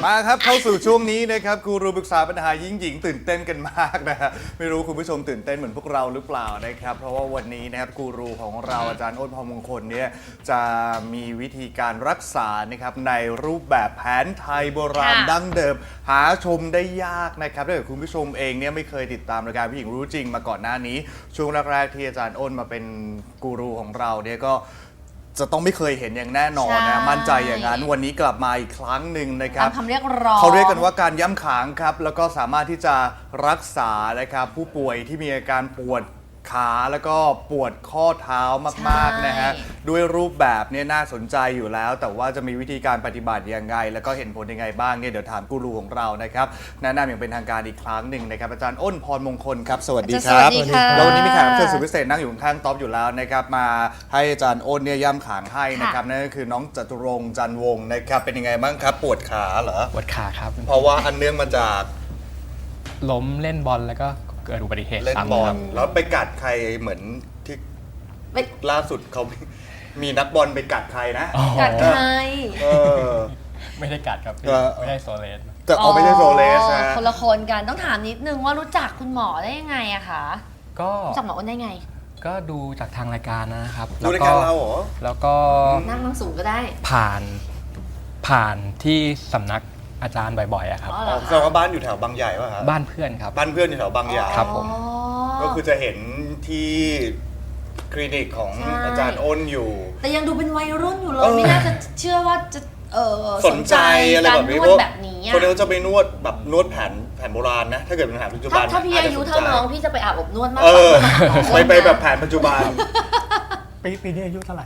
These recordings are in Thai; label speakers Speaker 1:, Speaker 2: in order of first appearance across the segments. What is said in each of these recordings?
Speaker 1: มาครับเข้าสู่ช่วงนี้นะครับกูรูปรึกษาปัญหาหญิงตื่นเต้นกันมากนะฮะไม่รู้คุณผู้ชมตื่นเต้นเหมือนพวกเราหรือเปล่านะครับเพราะว่าวันนี้นะครับกูรูของเราอาจารย์อ้นพรมงคลเนี่ยจะมีวิธีการรักษานะครับในรูปแบบแผนไทยโบราณดั้งเดิมหาชมได้ยากนะครับถ้าเกิดคุณผู้ชมเองเนี่ยไม่เคยติดตามรายการผู้หญิงรู้จริงมาก่อนหน้านี้ช่วงแรกๆที่อาจารย์อ้นมาเป็นกูรูของเราเนี่ยก็จะต้องไม่เคยเห็นอย่างแน่นอนนะมั่นใจอย่างนั้นวันนี้กลับมาอีกครั้งหนึ่งนะครับ
Speaker 2: คำเรียกร้อง
Speaker 1: เขาเรียกกันว่าการย้ำขางครับแล้วก็สามารถที่จะรักษานะครับผู้ป่วยที่มีอาการปวดขาแล้วก็ปวดข้อเท้ามากๆนะฮะด้วยรูปแบบเนี่ยน่าสนใจอยู่แล้วแต่ว่าจะมีวิธีการปฏิบัติยังไงแล้วก็เห็นผลยังไงบ้างเนี่ยเดี๋ยวถามกูรูของเรานะครับแนะนำอย่างเป็นทางการอีกครั้งหนึ่งนะครับอาจารย์อ้นพรมงคลครับสวัสดีครับแล้ววันนี้มีแขกรับเชิญสุดพิเศษนั่งอยู่ข้างๆท็อปอยู่แล้วนะครับมาให้อาจารย์อ้นเนี่ยย่ำขางให้นะครับนั่นก็คือน้องจตุรงค์จันทร์วงศ์นะครับเป็นยังไงบ้างครับปวดขาเหรอ
Speaker 3: ปวดขาครับ
Speaker 1: เพราะว่าอันเนื่องมาจาก
Speaker 3: ล้มเล่นบอลแล้วก็เกิดอุบัติเหตุ
Speaker 1: เล่นบอลแล้วไปกัดใครเหมือนที่ล่าสุดเขามีนักบอลไปกัดใครนะ
Speaker 2: กัดใคร
Speaker 3: ไม่ได้กัดครับไม่ได้โซเลส
Speaker 1: แต่เอาไม่ใช่โซเลสนะ
Speaker 2: คนละคนกันต้องถามนิดนึงว่ารู้จักคุณหมอได้ยังไงอะคะ
Speaker 3: ก็
Speaker 2: รู้จักหมออ้นได้ไง
Speaker 3: ก็ดูจากทางรายการนะครับ
Speaker 1: ดูรายการเราเหรอ
Speaker 3: แล้วก็
Speaker 2: นั่งสูงก็ได้
Speaker 3: ผ่านที่สำนักอาจารย์บ่อยๆอะครับ
Speaker 1: แสดงว่าบ้านอยู่แถวบางใหญ่ป่ะครับ
Speaker 3: บ้านเพื่อนครับ
Speaker 1: บ้านเพื่อนอยู่แถวบางใหญ่
Speaker 3: ครับผม
Speaker 1: ก็คือจะเห็นที่คลินิกของอาจารย์อ้นอยู่
Speaker 2: แต่ยังดูเป็นวัยรุ่นอยู่เลยไม่น่าจะเชื่อว่าจะ
Speaker 1: สนใจอะไรแบบนี้
Speaker 2: แบบนี้
Speaker 1: คนเดียวจะไปนวดแบบนวดแผนโบราณนะถ้าเกิดเป็นแผนปัจจุบัน
Speaker 2: ถ้าพี่อายุเท่าน้องพี่จะไปอาบอบนวดมาก
Speaker 1: ไปแบบแผนปัจจุบัน
Speaker 4: ปีนี้อายุเท่าไหร่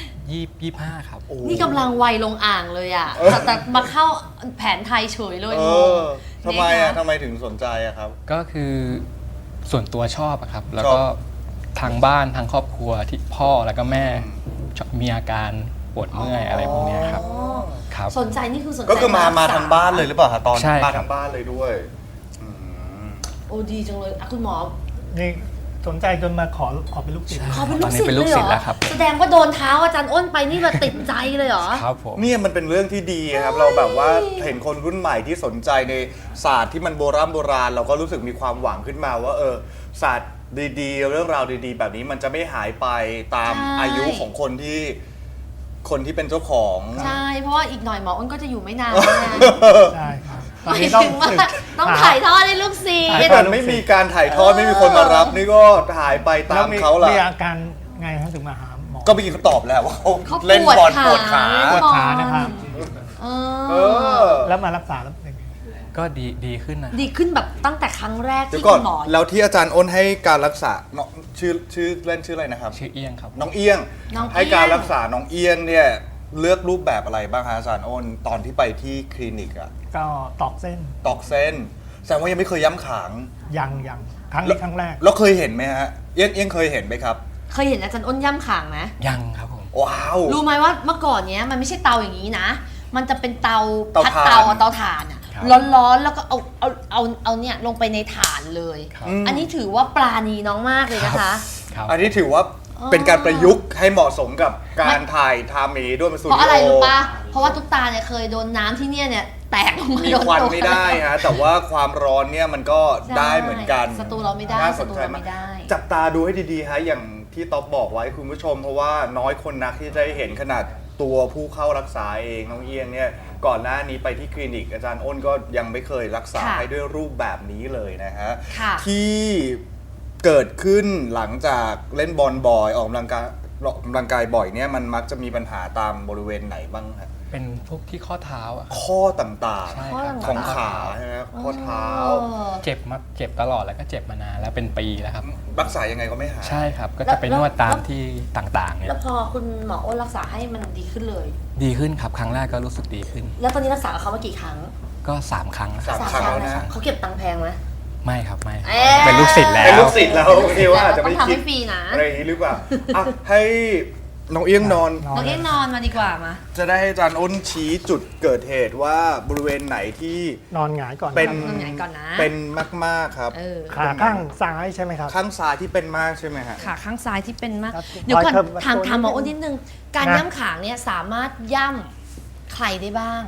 Speaker 3: 25ครับ
Speaker 2: นี่กำลังวัยลงอ่างเลยอ่ะแต่มาเข้าแผนไทยเฉยเลย
Speaker 1: ทำไมถึงสนใจอะครับ
Speaker 3: ก็คือส่วนตัวชอบอะครับแล้วก็ทางบ้านทางครอบครัวที่พ่อแล้วก็แม่มีอาการปวดเมื่อยอะไรพวกนี้ครับ
Speaker 2: สนใจนี่คือสนใจ
Speaker 1: ก็คือมาทางบ้านเลยหรือเปล่าคะตอนมาทางบ้านเลยด้วย
Speaker 2: โอ้ดีจังเลยคุณหมอ
Speaker 4: นี่สนใจจนมาขอเป็นลูกศิษย์
Speaker 2: ขอเป็นลูกศิษย์เลยเหรอแสดงว่าโดนเท้าอาจารย์อ้นไปนี่แบบติดใจเลยเหรอ
Speaker 3: ครับผม
Speaker 1: เนี่ยมันเป็นเรื่องที่ดีครับเราแบบว่าเห็นคนรุ่นใหม่ที่สนใจในศาสตร์ที่มันโบราณเราก็รู้สึกมีความหวังขึ้นมาว่าศาสตร์ดีๆเรื่องราวดีๆแบบนี้มันจะไม่หายไปตามอายุของคนที่เป็นเจ้าของ
Speaker 2: ใช่เพราะว่าอีกหน่อยหมออ้นก็จะอยู่ไม่นาน
Speaker 4: ใช่ครับ
Speaker 2: ตอนนี้ต้องถ่ายทอดให้ลูกศิษย์
Speaker 1: ถ้าเกิดไม่มีการถ่ายทอดไม่มีคนมารับนี่ก็หายไปตามเขาล่ะ
Speaker 4: มีอาการไงครับถึงมาหาหมอ
Speaker 1: ก็เมื่อกี้เขาตอบแล้วว่าเขาเล่นบอลปวดขา
Speaker 4: นะครับแล้วมารักษาแล้วเป็นไง
Speaker 3: ก็ดีขึ้นนะ
Speaker 2: ดีขึ้นแบบตั้งแต่ครั้งแรกที่
Speaker 1: คุณหมอแล้วที่อาจารย์อ้นให้การรักษาชื่อเล่นชื่ออะไรนะครับ
Speaker 3: ชื่อเอี้ยงครับ
Speaker 1: น้องเอี้ยงให้การรักษาน้องเอี้ยงเนี่ยเลือกรูปแบบอะไรบ้างคะอาจารย์อ้นตอนที่ไปที่คลินิกอ่ะ
Speaker 4: ก็ตอกเส้
Speaker 1: นแสดงว่ายังไม่เคยย้ำขาง
Speaker 4: ยังครั้งนี้ครั้งแรก
Speaker 1: แล้วเคยเห็นไหมฮะเอี้ยงเคยเห็นไหมครับ
Speaker 2: เคยเห็นอาจารย์อ้นย่ำขางไหม
Speaker 3: ยังครับผม
Speaker 1: ว้าว
Speaker 2: รู้ไหมว่าเมื่อก่อนเนี้ยมันไม่ใช่เตาอย่างนี้นะมันจะเป็นเตาพัดเตาถ่านอ่ะร้อนๆแล้วก็เอาเนี่ยลงไปในถ่านเลยอันนี้ถือว่าปราณีน้องมากเลยนะคะ
Speaker 1: อันนี้ถือว่าเป็นการประยุกต์ให้เหมาะสมกับการถ่ายทำนี้ด้วยมาสตูดิโอ
Speaker 2: เพราะอะไรรู้ปะเพราะว่าตุ๊กตาเนี่ยเคยโดนน้ำที่เนี่ยแตกลงมา
Speaker 1: มีควันไม่ได้ฮะแต่ว่าความร้อนเนี่ยมันก็ได้เหมือนกัน
Speaker 2: สตูเราไม่ได้
Speaker 1: สนใจมากจับตาดูให้ดีๆฮะอย่างที่ต๊อบบอกไว้คุณผู้ชมเพราะว่าน้อยคนนักที่จะได้เห็นขนาดตัวผู้เข้ารักษาเองน้องเอียงเนี่ยก่อนหน้านี้ไปที่คลินิกอาจารย์อ้นก็ยังไม่เคยรักษาให้ด้วยรูปแบบนี้เลยนะฮะที่เกิดขึ้นหลังจากเล่นบอลบ่อยออกกำลังกายบ่อยเนี่ยมันมักจะมีปัญหาตามบริเวณไหนบ้างครับ
Speaker 3: เป็นพวกที่ข้อเท้าอ่ะ
Speaker 1: ข้อต่างๆของขาใช่ไหมข้อเท้า
Speaker 3: เจ็บตลอดแล้วก็เจ็บมานานแล้วเป็นปีแล้วครับ
Speaker 1: รักษายังไงก็ไม่หาย
Speaker 3: ใช่ครับก็จะไปนวดตามที่ต่างๆเนี่ย
Speaker 2: แล้วพอคุณหมออ้นรักษาให้มันดีขึ้นเลย
Speaker 3: ดีขึ้นครับครั้งแรกก็รู้สึกดีขึ้น
Speaker 2: แล้วตอนนี้รักษาเขามากี่ครั้ง
Speaker 3: ก็3 ครั้ง
Speaker 1: แล้วนะ
Speaker 2: เขาเก็บตังค์แพงไหม
Speaker 3: ไม่ครับไม่เป็นลูกศิษย์แล้ว
Speaker 1: ที่ว่าอาจจะไม่คิด
Speaker 2: ฟรีนะ
Speaker 1: อะไรหรือเปล่าให้น้องเอี้ยงนอน
Speaker 2: มาดีกว่ามา
Speaker 1: จะได้ให้อาจารย์อ้นชี้จุดเกิดเหตุว่าบริเวณไหนที่
Speaker 4: นอนหงายก่อน
Speaker 1: เป็น
Speaker 2: นอนหงายก่อนนะ
Speaker 1: เป็นมากๆครับ
Speaker 4: ขาข้างซ้ายใช่ไหมครับ
Speaker 1: ข้างซ้ายที่เป็นมากใช่ไหมฮะ
Speaker 2: ขาข้างซ้ายที่เป็นมากเดี๋ยวก่อนถามหมออ้นนิดนึงการย่ำขางเนี่ยสามารถย่ำใครได้บ้าง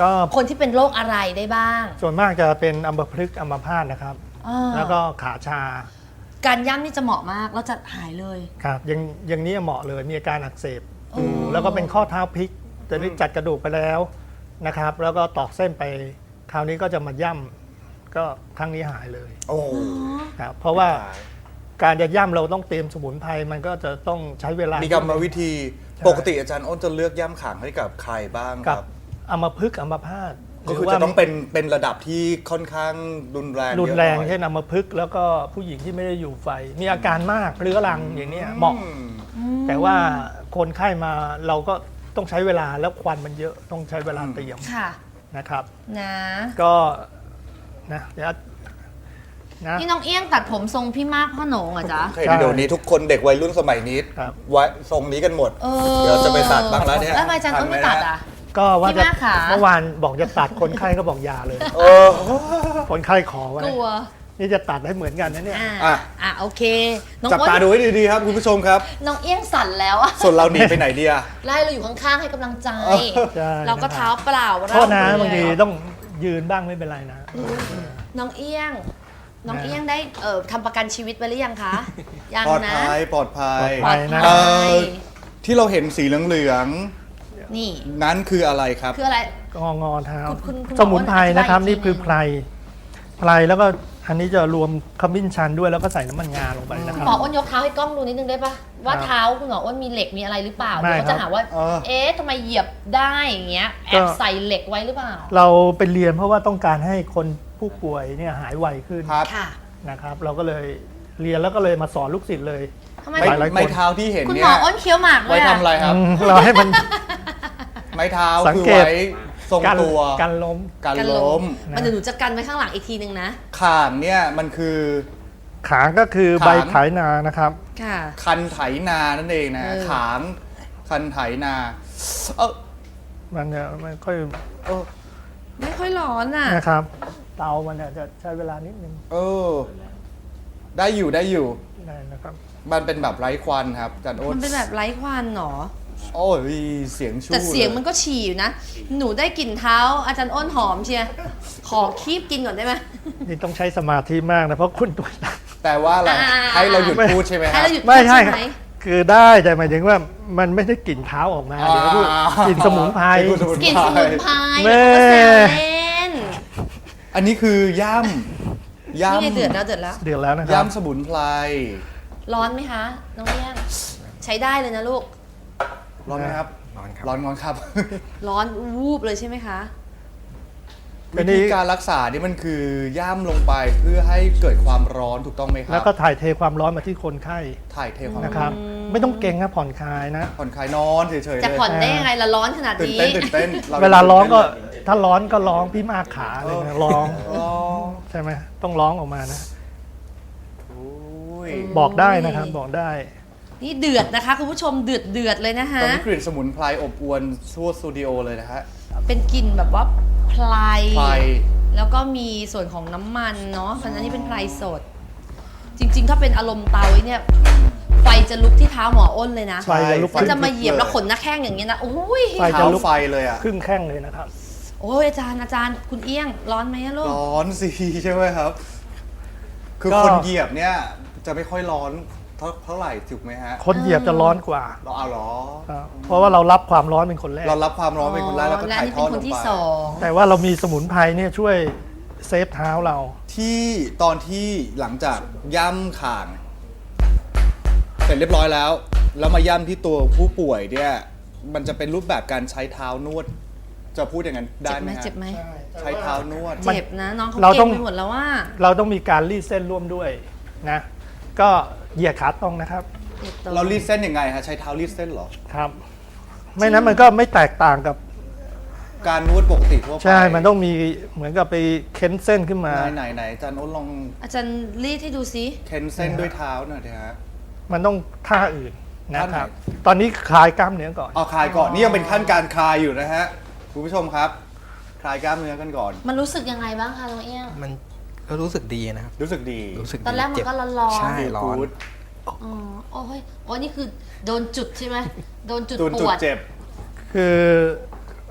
Speaker 4: ก็
Speaker 2: คนที่เป็นโรคอะไรได้บ้าง
Speaker 4: ส่วนมากจะเป็นอัมพฤกษ์อัมพาตนะครับ
Speaker 2: อ่า
Speaker 4: แล้วก็ขาชา
Speaker 2: การย่ำนี่จะเหมาะมากแล้วจะหายเลย
Speaker 4: ครับอย่างนี้เหมาะเลยมีอาการอักเสบแล้วก็เป็นข้อเท้าพลิกแต่ได้จัดกระดูกไปแล้วนะครับ แล้วก็ตอกเส้นไปคราวนี้ก็จะมาย่ำก็ครั้งนี้หายเลย
Speaker 1: โอ้
Speaker 4: ครับเพราะว่าการจะย่ำเราต้องเตรียมสมุนไพรมันก็จะต้องใช้เวลา
Speaker 1: มี
Speaker 4: มี
Speaker 1: กรรมวิธีปกติอาจารย์อ้นจะเลือกย่ำขางให้กับใครบ้างค
Speaker 4: กับ
Speaker 1: รับ
Speaker 4: อัมพฤกษ์อัมพาต
Speaker 1: ก็คือ
Speaker 4: หรืว่า
Speaker 1: จะต้องเป็นระดับที่ค่อนข้างรุนแรง
Speaker 4: รุนแรง
Speaker 1: เยอะหน่อย
Speaker 4: เช่นอัมพฤกษ์แล้วก็ผู้หญิงที่ไม่ได้อยู่ไฟ มีอาการมากเรื้อรังอย่างเนี้ยเหมาะ แต่ว่าคนไข้มาเราก็ต้องใช้เวลาแล้วควันมันเยอะต้องใช้เวลาเตรียม
Speaker 2: ค่ะ
Speaker 4: นะครับ
Speaker 2: นะ
Speaker 4: ก็นะเดี๋ยวนะ
Speaker 2: นี่น้องเอี้ยงตัดผมทรงพี่มากพ่อโหนงเหรอจ๊ะ
Speaker 1: เห็นเดี๋ยวนี้ทุกคนเด็กวัยรุ่นสมัยนี้
Speaker 4: ครับ
Speaker 1: ไว้ทรงนี้กันหมด เดี๋ยวจะไปตัดบ้างแล้วเนี่ย
Speaker 2: แล้วทำไมอาจารย์อ้นไม่ตัดอ่ะ
Speaker 4: ก็ว่า
Speaker 2: พี่
Speaker 4: จะ
Speaker 2: มากขา
Speaker 4: เมื่อวานบอกจะตัดคนไข้ก็บอกอยาเลย
Speaker 1: เออ
Speaker 4: คนไข้ขอไว้
Speaker 2: กลัว
Speaker 4: นี่จะตัดให้เหมือนกันนะเนี่ย
Speaker 1: อ่ะ
Speaker 2: โอเคน้อง
Speaker 1: จับ
Speaker 2: อ้น
Speaker 1: ตาดูให้ดีๆครับคุณผู้ชมครับ
Speaker 2: น้องเอี้ยงสั่นแล้วอะ
Speaker 1: ส่วนเราหนีไปไหนดีอะ
Speaker 2: ไล่เราอยู่ข้างๆให้กำลังใจ
Speaker 4: ใช่
Speaker 2: เราก็เท้าเปล่า
Speaker 4: โทษนะ
Speaker 2: เร
Speaker 4: บางที
Speaker 2: เลย
Speaker 4: ต้องยืนบ้างไม่เป็นไรนะ
Speaker 2: น้องเอี้ยง น้องเอี้ยงได้ทำประกันชีวิตไว้หรือยังคะ ยัง
Speaker 1: ปลอด
Speaker 2: นะ
Speaker 1: ภัยปลอดภัย
Speaker 4: ปลอดภัยนะ
Speaker 1: เอ่อที่เราเห็นสีเหลือง
Speaker 2: นี่
Speaker 1: ๆนั้นคืออะไรครับ
Speaker 2: คืออะไร
Speaker 4: งอเท้า
Speaker 2: คุณหมอ
Speaker 4: สมุนไพรนะครับ
Speaker 2: อธิบายอีกที
Speaker 4: นี่คือไพรแล้วก็อันนี้จะรวมขมิ้นชันด้วยแล้วก็ใส่น้ำมันงาลงไปนะค
Speaker 2: คุ
Speaker 4: รั
Speaker 2: ณ
Speaker 4: บ
Speaker 2: หมออ้นยกเท้าให้กล้องดูนิดนึงได้ปะว่า
Speaker 4: ครับ
Speaker 2: เท้าคุณหมออ้นมีเหล็กมีอะไรหรือเปล่า
Speaker 4: ไม่
Speaker 2: เดี๋ยวเขาจะ
Speaker 4: ครับ
Speaker 2: หาว่า
Speaker 1: เออ
Speaker 2: เอ๊ะทำไมเหยียบได้อย่างเงี้ยแอบใส่เหล็กไว้หรือเปล่า
Speaker 4: เราไปเรียนเพราะว่าต้องการให้คนผู้ป่วยเนี่ยหายไวขึ้น
Speaker 1: ครับ
Speaker 2: ค่ะ
Speaker 4: นะครับ เราก็เลยเรียนแล้วก็เลยมาสอนลูกศิษย์เลย
Speaker 2: ทำไม
Speaker 1: ไม้
Speaker 4: หลายๆคน
Speaker 1: ไม้เท้าที่เห็น
Speaker 2: คุณ
Speaker 1: เนี่
Speaker 2: หม
Speaker 1: ย
Speaker 2: ออ้นเคี้ยวหมากด้ว
Speaker 1: ไว้
Speaker 2: ย
Speaker 1: ทำอะไรครับ
Speaker 4: เราให้มัน
Speaker 1: ไม้เท้า
Speaker 4: สัง
Speaker 1: คือ
Speaker 4: เกต
Speaker 1: ไว้ทรง
Speaker 4: กัน
Speaker 1: ตัว
Speaker 4: กันล้ม
Speaker 1: การ
Speaker 2: กัน
Speaker 1: ล้ม
Speaker 2: มันเดี๋ยวหนูจะกันไว้ข้างหลังอีกทีนึงนะ
Speaker 1: ข่างเนี่ยมันคือ
Speaker 4: ขางก็คือ
Speaker 1: ขาง
Speaker 4: ใบไถนานะครับ
Speaker 2: ค่ะ
Speaker 1: คันไถนานั่นเองนะ ขางคันไถนาเออ
Speaker 4: มันจะไม่ค่อย
Speaker 1: เออ
Speaker 2: ไม่ค่อยร้อนอ่ะ
Speaker 4: นะครับ เตามันเนี่ยจะใช้เวลานิดนึง
Speaker 1: เออ ได้อยู่ได้อยู่
Speaker 4: ได้นะครับ
Speaker 1: มันเป็นแบบไร้ควันครับอาจารย์โอ๊
Speaker 2: มั
Speaker 1: ต
Speaker 2: นเป็นแบบไร้ควันหรอ
Speaker 1: โอ้ยเสียงชู่
Speaker 2: แต่เสียง
Speaker 1: ล
Speaker 2: มันก็ฉี่อยู่นะ หนูได้กลิ่นเท้าอาจารย์อ้นหอมเชียร์ขอคีบกินก่อนได้ไหม
Speaker 4: นี่ต้องใช้สมาธิมากนะเพราะคุณตัวหนัก
Speaker 1: แต่ว่าอะไร
Speaker 2: อ่า
Speaker 1: ให้เราหยุดพูดใช่ไหมค
Speaker 2: ให้
Speaker 1: รับ
Speaker 2: เราหยุด
Speaker 4: ไม่ใช่
Speaker 2: พูดไหม
Speaker 4: คือได้แต่หมายถึงว่ามันไม่ได้กลิ่นเท้าออกมาเดี๋ยวพูดกลิ่นสมุนไพร
Speaker 2: กลิ่นสมุนไพร
Speaker 4: แม่
Speaker 2: เขาก็แซวเล่น
Speaker 1: อันนี้คือย่ำ
Speaker 2: นี่ไงเดือดแล้วเดือดแล้ว
Speaker 4: เดือดแล้วนะครับ
Speaker 1: ย่ำสมุนไพร
Speaker 2: ร้อนไหมคะ น้องเลี้ยง ใช้ได้เลยนะลูก
Speaker 1: ร้อนไหมครับ
Speaker 3: ร้อนครับ
Speaker 1: ร้อนครับ
Speaker 2: ร้อนวูบเลยใช่ไหมคะ
Speaker 1: วิธีการรักษานี่มันคือย่ำลงไปเพื่อให้เกิดความร้อนถูกต้องไหมครั
Speaker 4: แล้วก็ถ่ายเทความร้อนมาที่คนไข้
Speaker 1: ถ่ายเทความ
Speaker 4: นะครับ ไม่ต้องเก่งนะผ่อนคลายนะ
Speaker 1: ผ่อนคลายนอนเฉยๆ
Speaker 2: จะ
Speaker 1: เลย
Speaker 2: ผ่อนได้ยังไงละร้อนขนาด
Speaker 1: ตื่น
Speaker 2: นี้
Speaker 1: เต้นตื่นเต้น
Speaker 4: เวลาร้องก็ถ้าร้อนก็ร้องพี่มากขาเลยนะร้อง
Speaker 1: ร้อง
Speaker 4: ใช่ไหมต้องร้องออกมานะ
Speaker 1: โอ้ย
Speaker 4: บอกได้นะครับบอกได้
Speaker 2: นี่เดือดนะคะคุณผู้ชมเดือดเลยนะ
Speaker 1: ต
Speaker 2: ฮะ
Speaker 1: อนนี้กลิ่นสมุนไพรอบอวนทั่วสตูดิโอเลยนะฮะ
Speaker 2: เป็นกลิ่นแบบว่าไพร
Speaker 1: ไพร
Speaker 2: แล้วก็มีส่วนของน้ำมันเนาะเพราะฉะนั้นนี่เป็นไพรสด จริง ๆ ถ้าเป็นอารมณ์เตาไอ้เนี่ยไฟจะลุกที่เท้าหมออ้นเลยนะ
Speaker 4: ไฟจะลุก
Speaker 2: มันจะมาเหยียบแล้วขนหน้าแข้งอย่างเงี้ยนะโอ้ย
Speaker 4: ไฟ
Speaker 1: เท้าไฟเลยอ่ะ
Speaker 4: ครึ่งแข้งเลยนะครับ
Speaker 2: โอ้ยอาจารย์คุณเอี้ยงร้อนไหมอะลูก
Speaker 1: ร้อนสิใช่ไหมครับ คือ
Speaker 4: ก็
Speaker 1: คนเหยียบเนี่ยจะไม่ค่อยร้อนเท่าไหร่ถูกไหมฮะ
Speaker 4: คนเหยียบจะร้อนกว่า
Speaker 1: เราเอาเหรอ
Speaker 4: ครับเพราะว่าเรารับความร้อนเป็นคนแรก
Speaker 1: เรารับความร้อนเป็นคนแรกแล้วก็
Speaker 2: และ
Speaker 1: ถ่าย
Speaker 2: นี่
Speaker 1: ท
Speaker 2: เป็
Speaker 1: อด
Speaker 2: นค
Speaker 1: ล
Speaker 2: น
Speaker 1: ง
Speaker 2: ที่
Speaker 1: ไป
Speaker 2: สอง
Speaker 4: แต่ว่าเรามีสมุนไพรเนี่ยช่วยเซฟเท้าเรา
Speaker 1: ที่ตอนที่หลังจากย่ำข่าง เสร็จเรียบร้อยแล้ว แล้วมาย่ำที่ตัวผู้ป่วยเนี่ยมันจะเป็นรูปแบบการใช้เท้านวด จะพูดอย่างนั้นได้
Speaker 2: เจ็บ
Speaker 1: ไห
Speaker 2: ไห
Speaker 1: ม
Speaker 2: ม
Speaker 1: ฮะ
Speaker 2: เจ็บไหม
Speaker 1: ใช้เท้านวด
Speaker 2: เจ็บนะน้องเขา
Speaker 4: เราต้
Speaker 2: เก่
Speaker 4: อง
Speaker 2: งไปหมดแล้วว่า
Speaker 4: เราต้องมีการรีดเส้นร่วมด้วยนะ ก็เหยียดขาตรงนะครับ
Speaker 1: เรารีดเส้นยังไงฮะใช้เท้ารีดเส้นเหรอ
Speaker 4: ครับ ไม่นั้นมันก็ไม่แตกต่างกับ
Speaker 1: การนวดปกติทั่วไป
Speaker 4: ใช่ มันต้องมีเหมือนกับไปเค้นเส้นขึ้นมา
Speaker 1: ไหนอาจารย์โอ๊ตลอง
Speaker 2: อาจารย์รีดให้ดูซิ
Speaker 1: เค้นเส้นด้วยเท้าหน่อยนะฮะ
Speaker 4: มันต้องท่าอื่นนะ
Speaker 1: ท่าไหน
Speaker 4: ครับ ตอนนี้คลายกล้ามเนื้อก่อน
Speaker 1: เอาคลายก่อนนี่ยังเป็นขั้นการคลายอยู่นะฮะคุณผู้ชมครับ คลายกล้ามเนื้อกันก่อน
Speaker 2: มันรู้สึกยังไงบ้างคะน้องเอี้ยง
Speaker 3: มันก็รู้สึกดีนะครับ
Speaker 1: รู้สึกดี
Speaker 3: รู้สึกดี
Speaker 2: ตอนแรกมัน
Speaker 3: เจ็บ
Speaker 2: ก็ร้อนๆ
Speaker 3: ใช่ร้อน
Speaker 1: กู๊ด
Speaker 2: อ๋อโอ้ยโอ้ยนี่คือโดนจุดใช่ไหมโดนจุด
Speaker 1: จุด
Speaker 2: ปวด
Speaker 1: เจ็บ
Speaker 4: คือ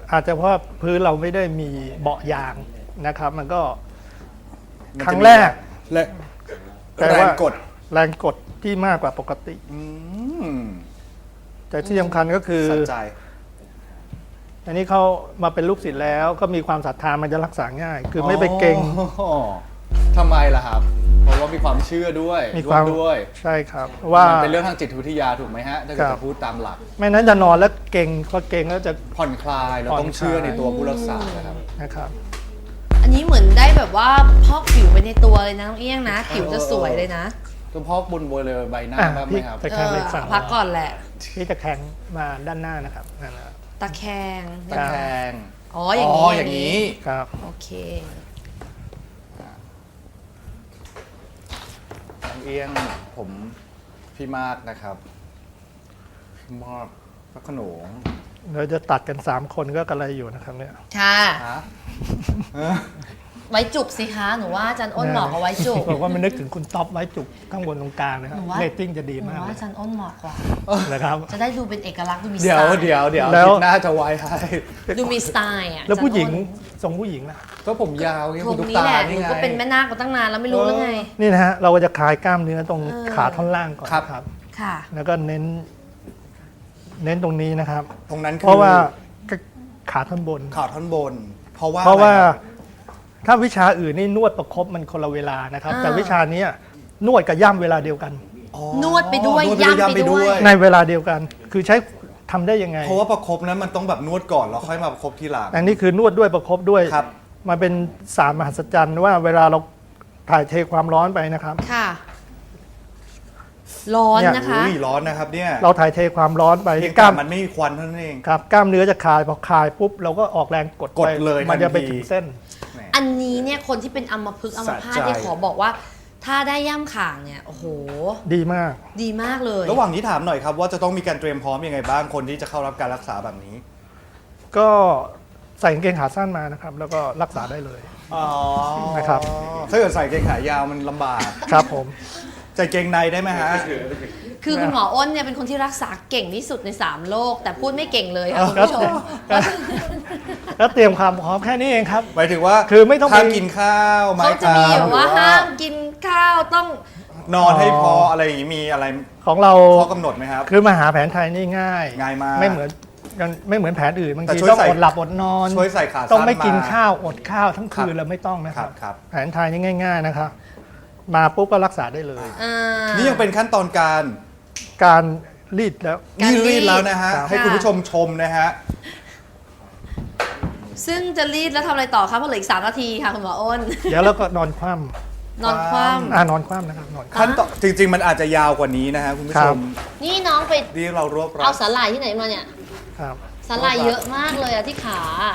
Speaker 4: อาจจะเพราะพื้นเราไม่ได้มีเบาะยางนะครับ มันก็ครั้งแรก
Speaker 1: และ
Speaker 4: แต่
Speaker 1: แร
Speaker 4: ว่าง
Speaker 1: กด
Speaker 4: แรงกดที่มากกว่าปกติ
Speaker 1: อืม
Speaker 4: แต่ที่สำคัญก็คือ
Speaker 1: สนใจ
Speaker 4: อันนี้เขามาเป็นลูกศิษย์แล้วก็มีความศรัทธามันจะรักษาง่าย คือไม่ไปเก่ง
Speaker 1: อ๋อทำไมล่ะครับ เพราะว่ามีความเชื่อด้วย
Speaker 4: มีความ
Speaker 1: ร่ด้วย
Speaker 4: ใช่ครับว่า
Speaker 1: มันเป็นเรื่องทางจิตวิทยาถูกไหมฮะถ้าเกิด
Speaker 4: ครับ
Speaker 1: จะพูดตามหลัก
Speaker 4: ไม่นั้นจะนอนแล้วเก่งพอเก่งแล้วจะ
Speaker 1: ผ่อนคลายเรา
Speaker 4: ผ่อน
Speaker 1: ต้องเชื่อ
Speaker 4: คลาย
Speaker 1: ในตัวผู้รักษานะครับ
Speaker 4: นะครับ
Speaker 2: อันนี้เหมือนได้แบบว่าพอกผิวไปในตัวเลยนะน้องเอี้ยงนะ ผิวจะสวยเลยนะ
Speaker 1: ตัวพ่อบนบนเลยใบหน้า
Speaker 4: อ่ะ
Speaker 1: บ้างไหม
Speaker 4: พี่
Speaker 1: ครับ
Speaker 4: ตะแคงไปฝั่ง
Speaker 2: พักก่อนแหละ
Speaker 4: พี่ตะแคงมาด้านหน้านะครับนั่นนะ
Speaker 2: ตะแคง
Speaker 1: ตะแคง
Speaker 2: อ๋ออย่างนี้
Speaker 1: อย่างนี้
Speaker 4: ครับ
Speaker 2: โอเค
Speaker 1: น้องเอี้ยงผมพี่มากนะครับพี่มากพระโขนง
Speaker 4: เราจะตัดกัน 3 คนก็กระไรอยู่นะครับเนี่ย
Speaker 2: ค่ะ
Speaker 1: ฮะ
Speaker 2: ไว้จุกสิคะหนูว่าอาจารย์อ้นเหมาะกับไว้จุก
Speaker 4: บอกว่ามันนึกถึงคุณท็อปไว้จุกข้างบนตรงกลางนะครับ
Speaker 2: หนูว่า
Speaker 4: เรตติ้งจะดี
Speaker 2: หนู
Speaker 4: มาก
Speaker 2: ว่า
Speaker 4: เลย
Speaker 2: อาจารย์อ้นเหมาะกว่า
Speaker 4: นะครับ
Speaker 2: จะได้ดูเป็นเอกลักษณ์ดูมีส
Speaker 1: เดี๋
Speaker 2: ไต
Speaker 1: ยว
Speaker 2: ล์
Speaker 1: เดี๋ยวเดี๋ยว
Speaker 4: แล้ว
Speaker 1: คิดหน้าจะไว้ให้
Speaker 2: ดูมีสไตล์อ่ะ
Speaker 4: แล้วผู้หญิง
Speaker 2: อาจารย์อ้น
Speaker 4: ทรงผู้หญิงนะ
Speaker 1: ก็ผมยาวไง
Speaker 2: ตร
Speaker 1: คุณ
Speaker 2: ง
Speaker 1: ตุ๊ก
Speaker 2: นี้
Speaker 1: ตา
Speaker 2: แหละห
Speaker 1: นี่
Speaker 2: นู
Speaker 1: ไง
Speaker 2: ก็เป็นแม่นาคมาตั้งนานแล้วไม่รู้แล้วไง
Speaker 4: นี่นะฮะเราก็จะคลายกล้ามเนื้อตรง
Speaker 2: เออ
Speaker 4: ขาท่อนล่างก่อน
Speaker 1: ครับ
Speaker 4: นะครับ
Speaker 2: ค่ะ
Speaker 4: แล้วก็เน้นตรงนี้นะครับ
Speaker 1: ตรงนั้นคือ
Speaker 4: เพราะว่าขาท่อนบน
Speaker 1: ข่าวท่อนบน เพราะว่า
Speaker 4: เพราะว่า
Speaker 1: อไคบ
Speaker 4: ถ้าวิชาอื่นนี่นวดประคบมันคนละเวลานะครับ
Speaker 2: อ่า
Speaker 4: แต่วิชาเนี้ยนวดกับย่ำเวลาเดียวกัน
Speaker 1: อ๋อน
Speaker 2: วดไปด้วย
Speaker 1: นว
Speaker 2: ย่ำไปด้วย
Speaker 4: ในเวลาเดียวกัน คือใช้ทำได้ยังไง
Speaker 1: เพราะว่าประคบนั้นมันต้องแบบนวดก่อนแล้วค่อยมาประคบทีหลัง
Speaker 4: อันนี้คือนวดด้วยประคบด้วย
Speaker 1: ครับ
Speaker 4: มันเป็นศาสตร์มหัศจรรย์ว่าเวลาเราถ่ายเทความร้อนไปนะครับ
Speaker 2: ค่ะ ร้อน
Speaker 4: เนี่ย
Speaker 2: นะคะ
Speaker 1: อุ้ยร้อนนะครับเนี่ย
Speaker 4: เราถ่ายเทความร้อนไป
Speaker 1: เพียง
Speaker 4: ก
Speaker 1: แต่
Speaker 4: ล้าม
Speaker 1: มันไม่มีควันเท่านั้นเอง
Speaker 4: ครับกล้ามเนื้อจะคลายพอคลายปุ๊บเราก็ออกแรงกด
Speaker 1: กด
Speaker 4: ไป
Speaker 1: เลย
Speaker 4: มันจะไป
Speaker 1: ทันที
Speaker 4: ถึงเส้น
Speaker 1: แหม
Speaker 2: อันนี้เนี่ยคนที่เป็นอัมพฤกษ์อัมพาต
Speaker 1: สะใจ
Speaker 2: ที่ขอบอกว่า ถ้าได้ย่ำข่างเนี่ยโอ้โห
Speaker 4: ดีมาก
Speaker 2: ดีมากเลย
Speaker 1: ระหว่างนี้ถามหน่อยครับว่าจะต้องมีการเตรียมพร้อมยังไงบ้างคนที่จะเข้ารับการรักษาแบบนี้
Speaker 4: ก็ใส่กางเกงขาสั้นมานะครับ แล้วก็รักษาได้เลย
Speaker 1: อ๋อ
Speaker 4: นะครับ
Speaker 1: ถ้าเกิดใส่เกงขายาวมันลำบาก
Speaker 4: ครับผม
Speaker 1: ใส่เกงในได้ไหมฮะ
Speaker 2: คือคุณหมออ้นเนี่ยเป็นคนที่รักษาเก่งที่สุดใน 3 โลก แต่พูดไม่เก่งเลยค่ะคุณผู้ชม
Speaker 4: แล้วเตรียมความพร้อมแค่นี้เองครับ
Speaker 1: หมายถึงว่า
Speaker 4: คือไม่ต้องไป
Speaker 1: ห้ามกินข้าวไม้
Speaker 2: เขาจะมี
Speaker 1: เท้า
Speaker 2: แบบว่า
Speaker 1: หรือ
Speaker 2: ห้ามกินข้าวต้อง
Speaker 1: นอนให้พออะไรอย่างนี้มีอะไร
Speaker 4: ของเรา
Speaker 1: ข้อกำหนดไหมครับ
Speaker 4: คือมาหาแผนไทยนี่ง่าย
Speaker 1: ง่ายมาก
Speaker 4: ไม่เหมือนแผนอื่นบาง
Speaker 1: แต่
Speaker 4: ที
Speaker 1: ช่วย
Speaker 4: ต้อง
Speaker 1: ใส่
Speaker 4: อดหลับอดนอน
Speaker 1: ช่วยใส่ขาสั้น
Speaker 4: ต้องไม่กิน
Speaker 1: มา
Speaker 4: ข้าวอดข้าวทั้งคื
Speaker 1: ครั
Speaker 4: น
Speaker 1: บ
Speaker 4: เราไม่ต้องนะค
Speaker 1: ครั
Speaker 4: รั
Speaker 1: บบ ครับ
Speaker 4: แผนไทยนี่ง่าย ๆนะครับ มาปุ๊บก็รักษาได้เลย
Speaker 1: นี่ยังเป็นขั้นตอนการ
Speaker 4: การรีดแล้ว
Speaker 2: การ
Speaker 1: นี่
Speaker 2: รี
Speaker 1: รี
Speaker 2: ด
Speaker 1: ดแล้วนะฮะ
Speaker 4: ครับ
Speaker 1: ให้คุณผู้ชมชมนะฮะ
Speaker 2: ซึ่งจะรีดแล้วทำอะไรต่อคะเพราะเหลืออีก3 นาทีค่ะคุณหมออ้น
Speaker 4: เดี๋ยวเราก็นอนคว่
Speaker 2: นอนคว่
Speaker 4: นอนคว่ำนะครับนอนคว่
Speaker 1: ขั้นตอนจริง ๆ มันอาจจะยาวกว่านี้นะฮะคุณผู้ชม
Speaker 2: ำนี่น้องไป
Speaker 1: ที่เรารวบรั
Speaker 2: เอา
Speaker 1: ด
Speaker 2: สาหร่ายที่ไหนมาเนี่ย
Speaker 4: ำครับ
Speaker 2: สาหร่ายเยอะมากเลยอะที่ขา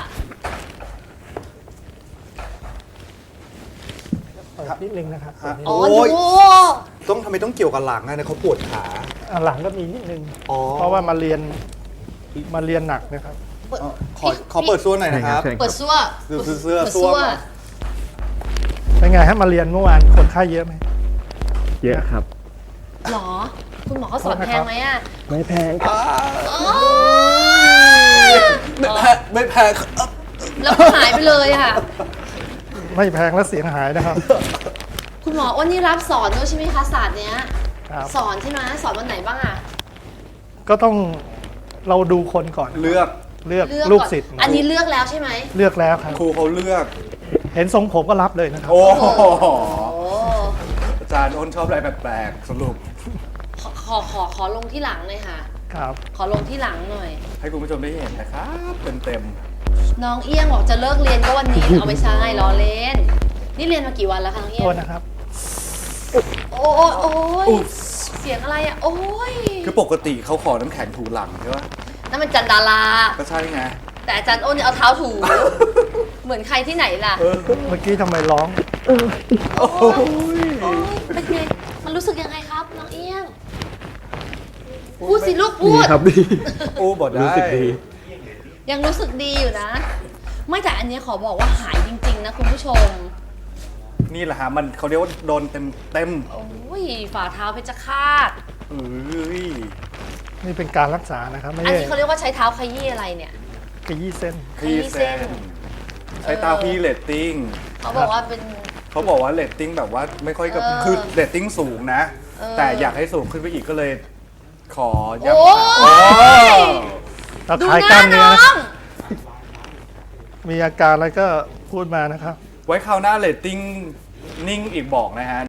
Speaker 4: เปิดนิดนึงนะครับ
Speaker 1: ฮะ
Speaker 2: อ๋อ
Speaker 1: โอ้ย
Speaker 2: ดู
Speaker 1: ต้องทำไมต้องเกี่ยวกับหลังอะเนี่ยเขาปวดขา
Speaker 4: หลังก็มีนิดนึง
Speaker 1: อ๋อ
Speaker 4: เพราะว่ามาเรียนหนักนะครับ
Speaker 1: ขอเปิดส่วนหน่อยนะครับ
Speaker 2: เปิดซั่ว
Speaker 1: ดูเสื้อ
Speaker 2: ปิด
Speaker 1: ซ่วม
Speaker 4: เป็นไงฮะมาเรียนเมื่อวานคนไข้เยอะไหม
Speaker 3: เยอะครับ
Speaker 2: หรอ คุณหมอเขาสอนแพงไหมอะ
Speaker 3: ไม่แพงครับ
Speaker 2: อ๋อ
Speaker 1: ไม่แพง
Speaker 2: แล้วก็หายไปเลยค่ะ
Speaker 4: ไม่แพงและเสียงหายนะครับ
Speaker 2: คุณหมออ้นนี่รับสอนด้วยใช่ไหมคะศาสตร์เนี้ย
Speaker 4: ครับ
Speaker 2: สอนใช่ไหมสอนวันไหนบ้างอะ
Speaker 4: ก็ต้องเราดูคนก่อน
Speaker 1: เลือก
Speaker 4: เลือก
Speaker 2: เลือก
Speaker 4: ลูก
Speaker 2: ก่อน
Speaker 4: ศิษย์
Speaker 2: อันนี้เลือกแล้วใช่ไหม
Speaker 4: เลือกแล้วครับ
Speaker 1: ครูเขาเลือก
Speaker 4: เห็นทรงผมก็รับเลยนะครับ
Speaker 1: โอ้โห
Speaker 2: โอ้
Speaker 1: อาจารย์อ้นชอบอะไรแปลกๆสรุป
Speaker 2: ขอลงที่หลังหน่อยค่ะ
Speaker 4: ครับ
Speaker 2: ขอลงที่หลังหน่อย
Speaker 1: ให้คุณผู้ชมได้เห็นนะครับเต็ม
Speaker 2: น้องเอี้ยงบอกจะเลิกเรียนก็วันนี้ เอาไม่ใช่ล้อเล่น นี่เรียนมากี่วันแล้วคะน้องเอี้ย
Speaker 4: โท
Speaker 2: ง
Speaker 4: ษนะครับ
Speaker 2: โอ้ยโอ้ยเสียงอะไรอะโอ้ย
Speaker 1: ๆคือปกติเขาขอน้ำแข็งถูหลังใช่ปะ
Speaker 2: นั่นมันจันดารา
Speaker 1: ก็ใช่ไง
Speaker 2: แต่อาจารย์อ้นเนี่ยเอาเท้าถู เหมือนใครที่ไหนล่ะ
Speaker 4: เมื่อกี้ทำไมร้อง
Speaker 2: โอ้ยเป็นไงมันรู้สึกยังไงครับน้องเอี้ยง พูดสิลูกพูด
Speaker 3: ครับดี
Speaker 1: โอ้บอกได้
Speaker 3: รู้สึกดี
Speaker 2: ยังรู้สึกดีอยู่นะ ไม่แต่อันเนี้ยขอบอกว่าหายจริง ๆ นะคุณผู้ชม
Speaker 1: นี่แหละฮะมันเขาเรียกว่าโดนเต็ม
Speaker 2: โอ้ยฝ่าเท้าเพชรฆาต
Speaker 1: เอ้ย
Speaker 4: นี่เป็นการรักษานะครับ ไม่
Speaker 2: อัน
Speaker 4: ใช่
Speaker 2: นี้เขาเรียกว่าใช้เท้าขยี้อะไรเนี่ย
Speaker 4: ขยี้เส้น
Speaker 1: ขยี้เส้นใช้ตาขยี้เรตติ้ง
Speaker 2: เขาบอกว่าเป็น
Speaker 1: เขาบอกว่าเรตติ้งแบบว่าไม่ค่อยกับคือเรตติ้งสูงนะ แต่อยากให้สูงขึ้นไปอีกก็เลย ขอย้ำ
Speaker 2: โอ้
Speaker 1: ค่ะ
Speaker 2: ย
Speaker 4: เรา
Speaker 2: ดู
Speaker 4: คลาย
Speaker 2: ห
Speaker 4: กล้า
Speaker 2: น้าม
Speaker 4: เนื้
Speaker 2: น้
Speaker 4: อ
Speaker 2: อ
Speaker 4: นะ
Speaker 2: ง
Speaker 4: มีอาการอะไรก็พูดมานะครับ
Speaker 1: ไว้คราวหน้าเรตติ้งนิ่งอีกบอกนะฮะ